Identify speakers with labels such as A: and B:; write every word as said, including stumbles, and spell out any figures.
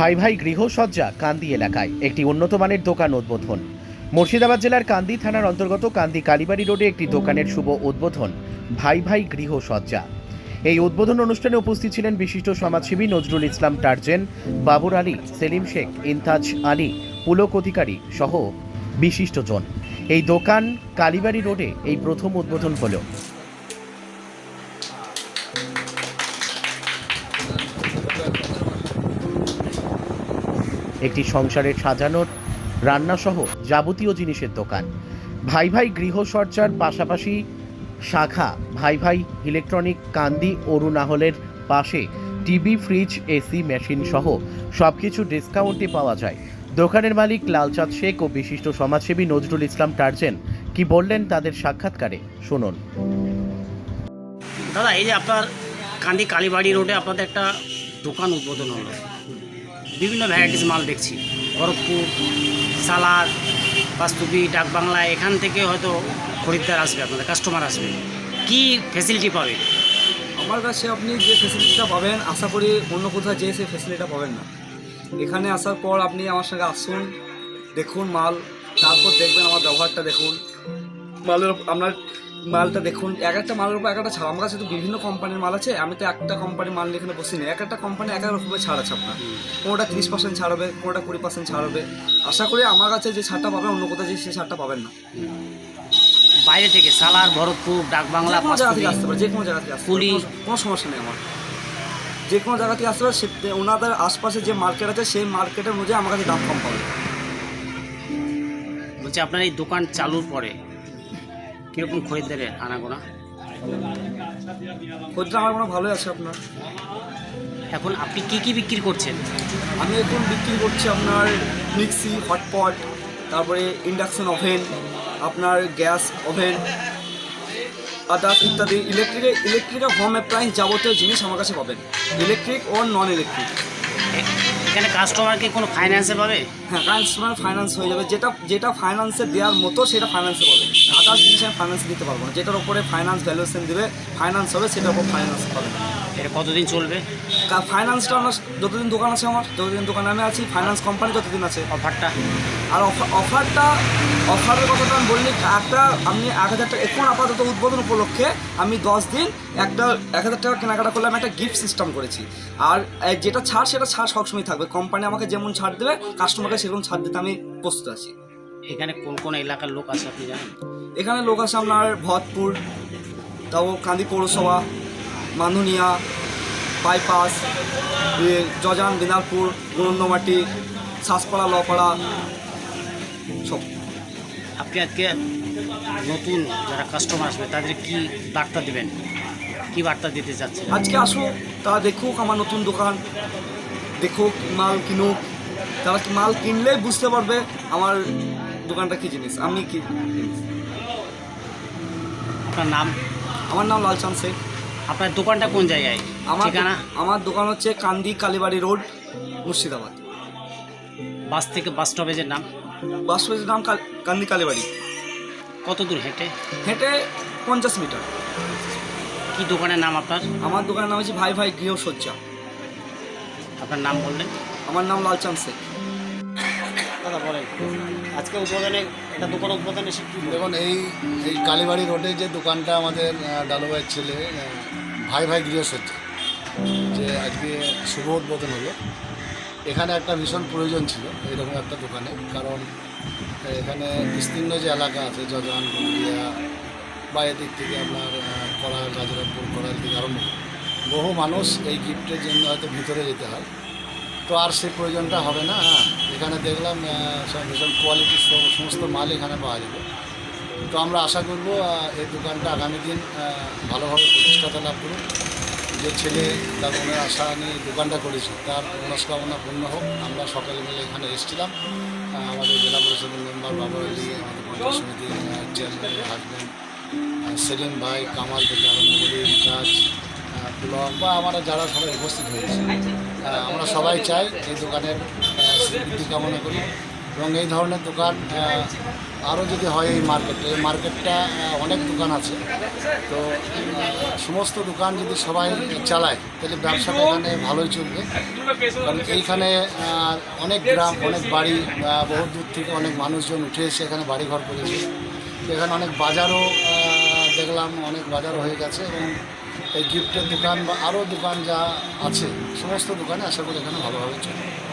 A: ভাই ভাই গৃহসজ্জা কান্দি এলাকায় একটি উন্নত মানের দোকান উদ্বোধন। মুর্শিদাবাদ জেলার কান্দি থানার অন্তর্গত কান্দি কালীবাড়ি রোডে একটি দোকানের শুভ উদ্বোধন ভাই ভাই গৃহসজ্জা। এই উদ্বোধন অনুষ্ঠানে উপস্থিত ছিলেন বিশিষ্ট সমাজসেবী নজরুল ইসলাম টার্জেন, বাবুর আলী, সেলিম শেখ, ইনতাজ আলী, পুলক অধিকারী সহ বিশিষ্টজন। এই দোকান কালীবাড়ি রোডে এই প্রথম উদ্বোধন হলো। একটি সংসারের সাজানোর রান্নাসহ যাবতীয় জিনিসের দোকান। ভাই ভাই গৃহসজ্জার পাশাপাশি শাখা ভাই ভাই ইলেকট্রনিক কান্দি অরুণাহলের পাশে টিভি, ফ্রিজ, এসি মেশিন সহ সব কিছু ডিসকাউন্টে পাওয়া যায়। দোকানের মালিক লালচাঁদ শেখ ও বিশিষ্ট সমাজসেবী নজরুল ইসলাম টার্জেন কি বললেন তাদের সাক্ষাৎকারে শুনুন।
B: দাদা, এই যে আপনার কান্দি কালীবাড়ি রোডে আপনাদের একটা দোকান উদ্বোধন হলো, বিভিন্ন ভ্যারাইটিস মাল দেখছি, খড়গপুর, সালাদ, বাস্তুবি, ডাকবাংলা, এখান থেকে হয়তো খরিদ্দার আসবে, আপনাদের কাস্টমার আসবে, কি ফ্যাসিলিটি পাবে?
C: আমার কাছে আপনি যে ফ্যাসিলিটিটা পাবেন, আশা করি অন্য কোথাও যেয়ে সেই ফ্যাসিলিটিটা পাবেন না। এখানে আসার পর আপনি আমার সঙ্গে আসুন, দেখুন মাল, তারপর দেখবেন আমার ব্যবহারটা দেখুন, মালের আপনার মালটা দেখুন, এক একটা মালের উপর এক একটা ছাড়। আমার কাছে তো বিভিন্ন কোম্পানির মাল আছে, আমি তো একটা কোম্পানির মাল নিয়ে এখানে বসি না। এক একটা কোম্পানি এক এক রকমের ছাড় আছে আপনার, কোনোটা তিরিশ পার্সেন্ট ছাড় হবে, কোনোটা কুড়ি পার্সেন্ট ছাড় হবে। আশা করি আমার কাছে যে ছাড়টা পাবেন অন্য কোথাও যে সেই ছাড়টা পাবেন না।
B: বাইরে থেকে সালার, ভরতপুর, ডাকবাংলা,
C: যে কোনো জায়গা থেকে আসতে পারে, যে কোনো জায়গা থেকে আসতে পারে, কোনো সমস্যা নেই আমার। যে কোনো জায়গা থেকে আসতে পারে, সে ওনাদের আশপাশে যে মার্কেট আছে সেই মার্কেটের অনুযায়ী আমার কাছে দাম কম পাবে।
B: বলছি, আপনার এই দোকান চালুর পরে কীরকম খরিদ্দারের আনাগোনা?
C: খরিদ্দার আমার কোনো ভালোই আছে আপনার।
B: এখন আপনি কি কি বিক্রি করছেন?
C: আমি এখন বিক্রি করছি আপনার মিক্সি, হটপট, তারপরে ইন্ডাকশন ওভেন, আপনার গ্যাস ওভেন, আদার্স ইত্যাদি ইলেকট্রিকে ইলেকট্রিক হোম অ্যাপ্লায়েন্স যাবতীয় জিনিস আমার কাছে পাবেন, ইলেকট্রিক ও নন ইলেকট্রিক।
B: এখানে কাস্টমারকে কোনো ফাইন্যান্সে পাবে?
C: হ্যাঁ, কাস্টমার ফাইন্যান্স হয়ে যাবে, যেটা যেটা ফাইন্যান্সে দেওয়ার মতো সেটা ফাইন্যান্সে পাবে। আদার্স জিনিস আমি ফাইন্যান্স দিতে পারবো না, যেটার উপরে ফাইন্যান্স ভ্যালুয়েশন দেবে, ফাইন্যান্স হবে, সেটার উপর ফাইন্যান্স পাবে।
B: এটা কতদিন চলবে?
C: ফাইন্যান্সটা আমার যতদিন দোকান আছে, আমার যতদিন দোকানে আমি আছি, ফাইন্যান্স কোম্পানি যতদিন আছে।
B: অফারটা
C: আর অফারটা অফারের কথাটা আমি বললি, একটা আপনি এক হাজার টাকা এখন আপাতত উদ্বোধন উপলক্ষে আমি দশ দিন একটা এক হাজার টাকা কেনাকাটা করলে আমি একটা গিফট সিস্টেম করেছি। আর যেটা ছাড় সেটা ছাড় সবসময় থাকবে, কোম্পানি আমাকে যেমন ছাড় দেবে কাস্টমারকে সেরকম ছাড় দিতে আমি প্রস্তুত আছি।
B: এখানে কোন কোন এলাকার লোক আছে আপনি জানেন?
C: এখানে লোক আছে আপনার ভরতপুর, তাও কান্দি পৌরসভা, মানধনিয়া, বাইপাস, জজান, দিনারপুর, গুরন্দমাটি, শ্বাসপাড়া, লপাড়া সব।
B: আপনি আজকে নতুন যারা কাস্টমার আসবে তাদের কি বার্তা দেবেন, কি বার্তা দিতে চাচ্ছেন?
C: আজকে আসুক, তারা দেখুক আমার নতুন দোকান, দেখুক, মাল কিনুক। তারা মাল কিনলেই বুঝতে পারবে আমার দোকানটা কী জিনিস, আমি কি জিনিস।
B: আপনার নাম?
C: আমার নাম লালচাঁদ শেখ।
B: আপনার দোকানটা কোন জায়গায়?
C: আমার
B: ঠিকানা?
C: আমার দোকান হচ্ছে কান্দি কালীবাড়ি রোড, মুর্শিদাবাদ।
B: বাস থেকে বাস স্টপেজের নাম?
C: বাস স্টপেজের নাম কান্দি কালীবাড়ি।
B: কত দূর হেঁটে?
C: হেঁটে পঞ্চাশ মিটার।
B: কি দোকানের নাম আপনার?
C: আমার দোকানের নাম হচ্ছে ভাই ভাই গৃহসজ্জা।
B: আপনার নাম বললেন?
C: আমার নাম লালচাঁদ শেখ।
B: দাদা বলেন, আজকে উদ্বোধনে একটা দোকান উদ্বোধনে
D: দেখুন, এই এই কালীবাড়ি রোডে যে দোকানটা আমাদের ডালুভাইয়ের ছেলে ভাই ভাই গৃহসজ্জা যে আজকে শুভ উদ্বোধন হলো, এখানে একটা ভীষণ প্রয়োজন ছিল এরকম একটা দোকানে। কারণ এখানে বিস্তীর্ণ যে এলাকা আছে, জজান, গন্ডিয়া বা এদিক থেকে আপনার কড়াল, রাজারামপুর, কড়াল থেকে আরম্ভ বহু মানুষ এই গিফটের জন্য হয়তো ভিতরে যেতে হয়, তো আর সেই প্রয়োজনটা হবে না। হ্যাঁ, এখানে দেখলাম সব ভীষণ কোয়ালিটির সমস্ত মাল এখানে পাওয়া যাবে। তো আমরা আশা করব এই দোকানটা আগামী দিন ভালোভাবে প্রতিষ্ঠাতা লাভ করুন। যে ছেলে তার মনের আশা নিয়ে দোকানটা করেছে তার মনস্কামনা পূর্ণ হোক। আমরা সকালে মিলে এখানে এসেছিলাম, আমাদের জেলা পরিষদের মেম্বার বাবুর আলী, আমাদের পঞ্চায়েত সমিতির চেয়ারম্যানের হাজব্যান্ড সেলিম ভাই, কামাল থেকে আরম্ভ করে কাজ ব্লক বা আমরা যারা সবাই উপস্থিত হয়েছে, আমরা সবাই চাই এই দোকানের স্বীকৃতি কামনা করি এবং এই ধরনের দোকান আরও যদি হয় এই মার্কেটে, এই মার্কেটটা আহ, অনেক দোকান আছে, তো আহ, সমস্ত দোকান যদি সবাই চালায় তাহলে ব্যবসাটা এখানে ভালোই চলবে। কারণ এইখানে আহ, অনেক গ্রাম, অনেক বাড়ি, আহ, বহু দূর থেকে অনেক মানুষজন উঠে এসে এখানে বাড়ি ঘর করেছে। এখানে অনেক বাজারও আহ, দেখলাম, অনেক বাজারও হয়ে গেছে এবং এই গিফটের দোকান বা আরও দোকান যা আছে সমস্ত দোকানে আশা করি এখানে ভালোভাবে চলবে।